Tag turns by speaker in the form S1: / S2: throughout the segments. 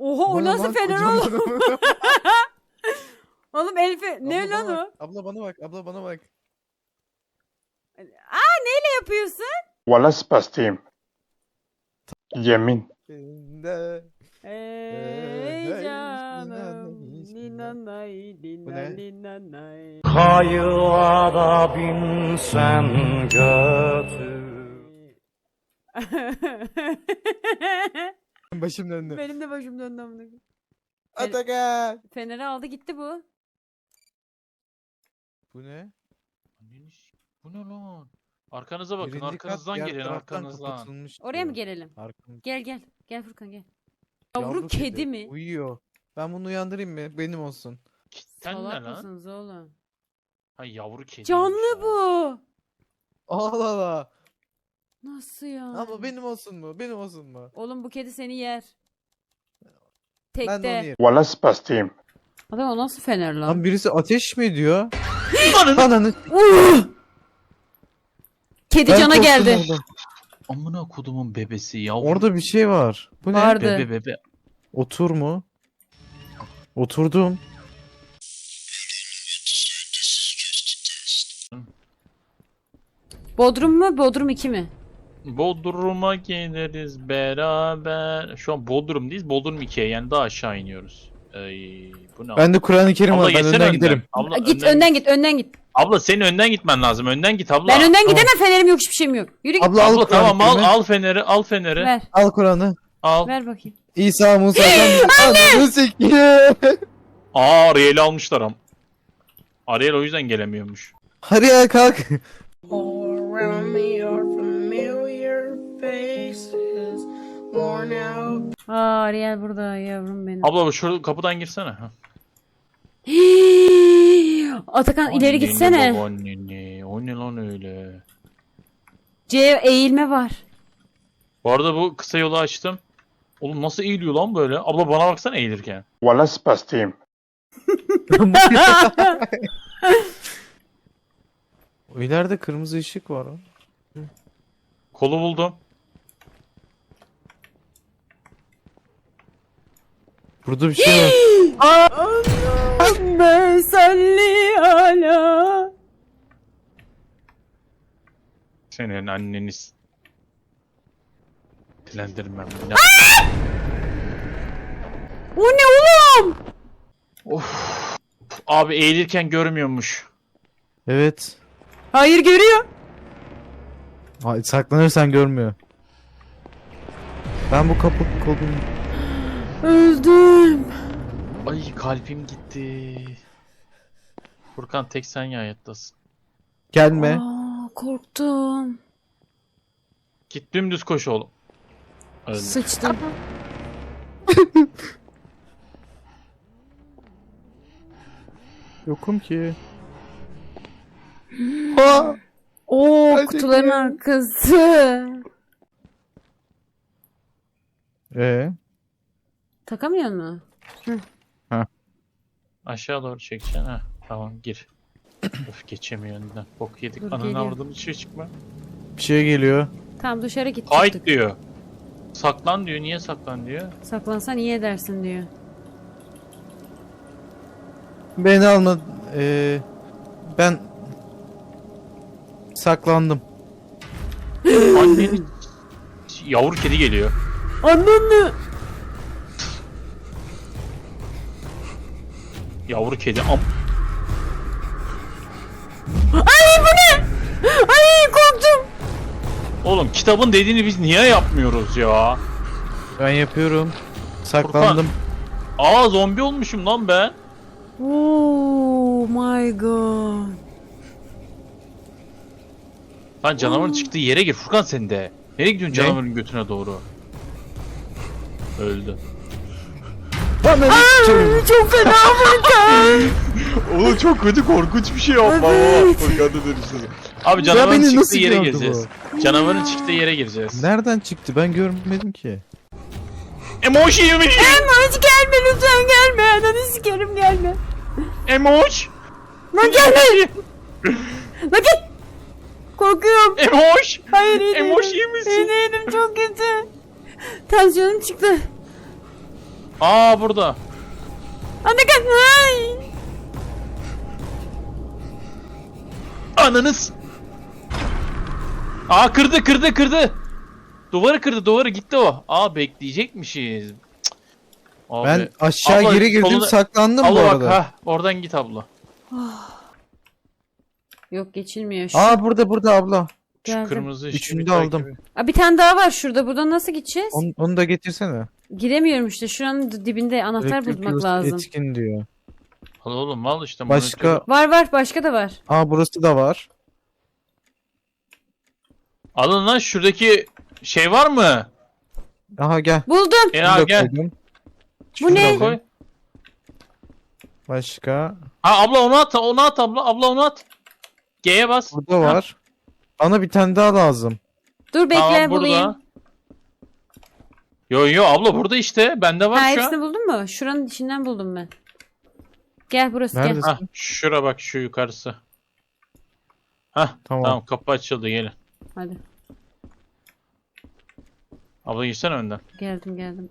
S1: Oha o
S2: Bana
S1: nasıl
S2: bak,
S1: fener
S2: kocaman
S1: oğlum?
S2: adam.
S1: Oğlum Elif'e ne
S2: Abla
S1: lan
S2: bana
S1: o?
S2: bak, abla bana bak, abla bana bak.
S1: Neyle yapıyorsun?
S3: Valla spastayım. Yemin.
S2: Ne?
S1: Ey
S2: hey,
S1: canım.
S2: bismillah.
S1: Ninanay,
S2: Bu ne?
S1: ninanay.
S4: Kayığa binsen götür.
S2: Başım döndü.
S1: Benim de başım döndü amına koyayım.
S2: Atakan.
S1: Feneri aldı gitti bu.
S2: Bu ne?
S5: Bu ne lan? Arkanıza bakın,
S2: Birinci kat
S5: arkanızdan
S2: diğer
S5: gelin,
S2: taraftan
S5: arkanızdan.
S2: kapatılmış
S1: Oraya
S2: diyor.
S1: mı gelelim?
S2: Arkamız.
S1: Gel gel. Gel Furkan gel. Yavru kedi mi?
S2: Uyuyor. Ben bunu uyandırayım mı? Benim olsun.
S5: Sen ne
S1: Salak
S5: lan?
S1: mısınız oğlum?
S5: Ha yavru kedi.
S1: Canlı bu.
S2: Allah Allah.
S1: Nasıl ya?
S2: Abla benim olsun mu? Benim olsun mu?
S1: Oğlum bu kedi seni yer.
S2: Ben de onu
S1: Tekte.
S2: yerim.
S3: Valla spastayım.
S1: Adam o nasıl fener lan?
S2: Lan birisi ateş mi ediyor?
S5: Ananı.
S2: Ananı.
S1: Kedi
S2: Ben
S1: cana
S2: korktum
S1: geldi.
S2: orada.
S5: Amına kodumun bebesi yavru.
S2: Orada bir şey var. Bu ne?
S1: Vardı.
S5: bebe.
S2: Otur mu? Oturdum.
S1: Bodrum mu? Bodrum 2 mi?
S5: Bodrum'a geliriz beraber. Şu an Bodrum'dayız. Bodrum 2'ye yani daha aşağı iniyoruz. Bu ne?
S2: Ben de Kur'an-ı Kerim
S5: Abla
S2: var. Ben
S5: geçsene
S2: önden giderim.
S5: Abla,
S1: Git önden git önden git.
S5: Abla senin önden gitmen lazım. Önden git abla.
S1: Ben önden
S2: tamam.
S1: gidemem, fenerim yok, hiçbir şeyim yok. Yürü git.
S2: Abla al
S5: Abla
S2: Kur'an-ı
S5: tamam al
S2: Kerim'i.
S5: al feneri al feneri.
S1: Ver.
S2: Al Kur'an'ı.
S5: Al.
S1: Ver bakayım.
S2: İsa Musa'dan ananı sikeyim.
S5: Aa Ariel'i almışlar am. Ariel o yüzden gelemiyormuş.
S2: Hadi ya kalk.
S6: All around me are familiar faces, worn out.
S1: Aa Ariel burada yavrum benim.
S5: Abla şu kapıdan girsene. Ha.
S1: Atakan ileri gitsene.
S5: Anneni, o ne lan öyle?
S1: C eğilme var.
S5: Bu arada bu kısa yolu açtım. Oğlum nasıl eğiliyor lan böyle? Abla bana baksana eğilirken.
S3: Valla spastayım.
S2: O ileride kırmızı ışık var.
S5: Kolu buldum.
S2: Burada bir şey var.
S1: Allahümme salli ala.
S5: Senin anneniz. Dilendirmem. Ne?
S1: O ne oğlum?
S5: Of. Abi eğilirken görmüyormuş.
S2: Evet.
S1: Hayır görüyor.
S2: Saklanırsan görmüyor. Ben bu kapı kolunu...
S1: Öldüm.
S5: Ay kalbim gitti. Furkan tek sen ya hayattasın.
S2: Gelme.
S1: Aa, korktum.
S5: Git dümdüz koş oğlum. Öldüm.
S1: Sıçtım.
S2: Yokum ki. Ha!
S1: Oo
S2: Ay,
S1: kutuların
S2: çekiyor.
S1: arkası. Takamıyor mu?
S5: Aşağı doğru çekeceksin ha. Tamam gir. Öf geçemiyor önden. Bok yedik.
S1: Dur,
S5: Ananı
S1: geliyor.
S5: avradım içeri çıkma.
S2: Bir şey geliyor.
S1: Tamam dışarı git.
S5: Fight
S1: çıktık.
S5: diyor. Saklan diyor. Niye saklan diyor?
S1: Saklansan iyi edersin diyor.
S2: Beni alma. Ben saklandım.
S5: Annenin yavru kedi geliyor.
S1: Ananı.
S5: Yavru kedi
S1: Ay bu ne? Ay korktum.
S5: Oğlum kitabın dediğini biz niye yapmıyoruz ya?
S2: Ben yapıyorum. Saklandım.
S5: Aa zombi olmuşum lan ben.
S1: Oh my god.
S5: Lan canavarın çıktığı yere gir Furkan sen de. Nereye gidiyorsun
S2: Ne?
S5: canavarın götüne doğru? Öldü.
S1: Çok fena Furkan.
S5: Oğlum çok kötü korkunç bir şey yapma.
S1: Evet.
S5: Furkan'da dönüştü. Abi canavarın
S2: beni
S5: çıktığı
S2: nasıl
S5: yere
S2: gördü
S5: gireceğiz. Canavarın çıktığı yere gireceğiz.
S2: Nereden çıktı? Ben görmedim ki.
S5: Emoji yemiş.
S1: Emoş gelme lütfen gelme. Ananı sikerim gelme.
S5: Emoş.
S1: Lan gelme. Lan git. Korkuyorum.
S5: Emoş.
S1: Hayır iyi değilim.
S5: Emoş iyi misin?
S1: İyi değilim çok kötü. Tansiyonum çıktı.
S5: Aa burada.
S1: Anne gel. Ay.
S5: Ananız. Aa kırdı. Duvarı kırdı, duvarı gitti o. Aa bekleyecekmişiz. Cık. Abi.
S2: Ben aşağı
S5: Abla,
S2: geri girdim,
S5: soluna-
S2: saklandım bu
S5: Abla bak
S2: arada.
S5: ha, oradan git abla.
S1: Yok geçilmiyor. Şu
S2: Aa burada abla.
S5: Şu
S1: Geldim.
S5: kırmızı ışığı
S2: Üçünü
S5: bir
S2: de
S5: takip
S2: aldım.
S5: et.
S1: Aa, bir tane daha var şurada. Buradan nasıl gideceğiz?
S2: Onu da getirsene.
S1: Giremiyorum işte. Şuranın dibinde anahtar
S2: Elektrik
S1: bulmak
S2: yuvası
S1: lazım.
S2: Etkin diyor.
S5: Al oğlum al işte.
S2: Başka.
S5: monitörü.
S1: Var başka da var.
S2: Aa burası da var.
S5: Alın lan şuradaki şey var mı?
S2: Aha gel.
S1: Buldum.
S2: Şunu
S5: Ya
S2: da
S5: gel.
S2: koydum.
S1: Bu
S2: Şunu da
S1: ne?
S2: koy.
S5: Koy.
S2: Başka.
S5: Ha abla onu at abla. Abla onu at. G'ye bas.
S2: Burada var. Bana bir tane daha lazım.
S1: Dur bekle
S5: Tamam
S1: bulayım.
S5: burada. Yo abla burada işte. Bende var
S1: Ha
S5: şu
S1: hepsini
S5: an.
S1: buldun mu? Şuranın içinden buldum ben. Gel burası
S2: Neredesin?
S1: gel.
S5: Hah şura bak şu yukarısı. Hah
S2: Tamam.
S5: tamam kapı açıldı gelin.
S1: Hadi
S5: Abla girsene önden.
S1: geldim.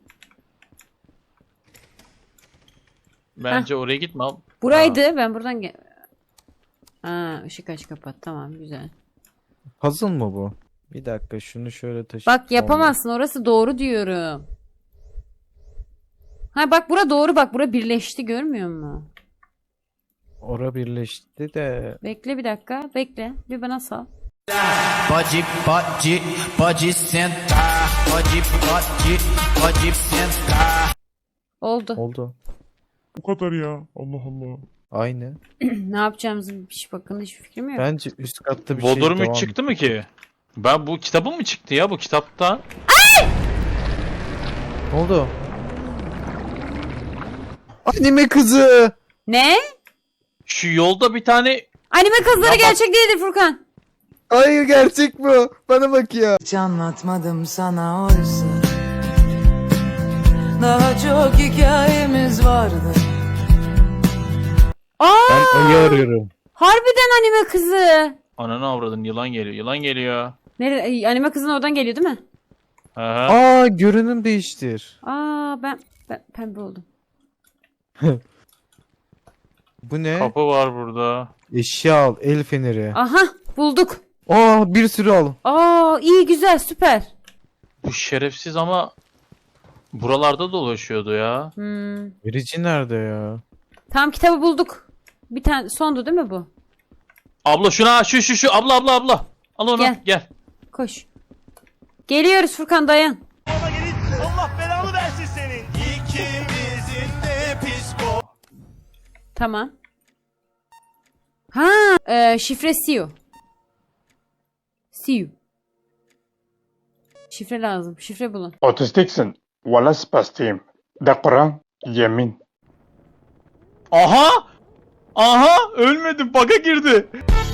S5: Bence oraya gitme abla.
S1: Buraydı ben buradan gel. Aa ışık aç kapat tamam güzel.
S2: Puzzle mı bu? Bir dakika şunu şöyle taşı.
S1: Bak yapamazsın orası doğru diyorum. Ha bak bura doğru bak bura birleşti görmüyor musun?
S2: Ora birleşti de.
S1: Bekle bir dakika bekle bir bana sal.
S7: Pode sentar, pode sentar.
S1: Oldu.
S2: Oldu.
S8: Bu kadar ya. Allah Allah.
S2: Aynı.
S1: Ne yapacağımızı hiç bakın hiçbir fikrim yok.
S2: Bence üst katta bir şey
S5: Bodrum
S2: devam.
S5: 3 çıktı mı ki? Ben bu kitabım mı çıktı ya bu kitapta?
S2: Ne oldu? Anime kızı.
S1: Ne?
S5: Şu yolda bir tane
S1: Anime kızları
S5: Ya bak-
S1: gerçek değildir Furkan.
S2: Hayır gerçek bu. Bana bak ya.
S7: Hiç anlatmadım sana oysa. Daha çok hikayemiz vardı.
S1: Aa
S2: Ben ayı arıyorum.
S1: harbiden anime kızı.
S5: ananı avradın yılan geliyor.
S1: Nerede? Anime kızın oradan geliyor değil mi?
S5: Aha.
S2: Aa görünüm değiştir.
S1: Aa ben pembe oldum.
S2: Bu ne?
S5: Kapı var burada.
S2: Eşya al. El feneri.
S1: Aha bulduk.
S2: Aa bir sürü al.
S1: Aa iyi güzel süper.
S5: Bu şerefsiz ama buralarda dolaşıyordu ya.
S2: Verici nerede ya?
S1: Tam kitabı bulduk. Bir tane sondu değil mi bu?
S5: Abla şuna şu abla. Al onu
S1: Gel.
S5: gel.
S1: Koş. Geliyoruz Furkan dayan.
S9: Allah belanı versin senin. İkimizin de psiko.
S1: Tamam. Ha, şifre Siu. Siu. Şifre lazım. Şifre bulun.
S3: Otistiksin. Valla spastiyim. De Kur'an, yemin.
S5: Aha ölmedi bug'a girdi.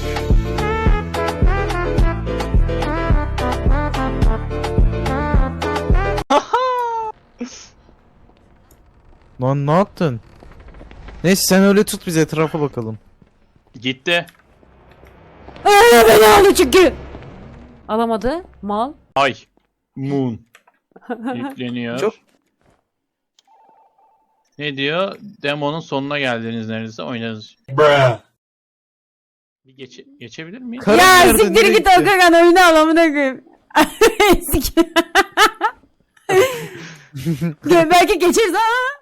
S2: Lan ne yaptın? Neyse sen öyle tut biz etrafa bakalım.
S5: Gitti.
S1: Beni aldı çünkü. Alamadı. Mal.
S5: Ay. Moon. Yükleniyor.
S2: Çok-
S5: Ne diyor? Demonun sonuna geldiniz neredeyse oynarız. Bir geçebilir miyiz?
S2: Karın
S1: Ya
S2: nerede,
S1: siktir
S2: nereye
S1: git
S2: gitti?
S1: Okakan oyunu al amına koyayım. Belki geçeriz ha.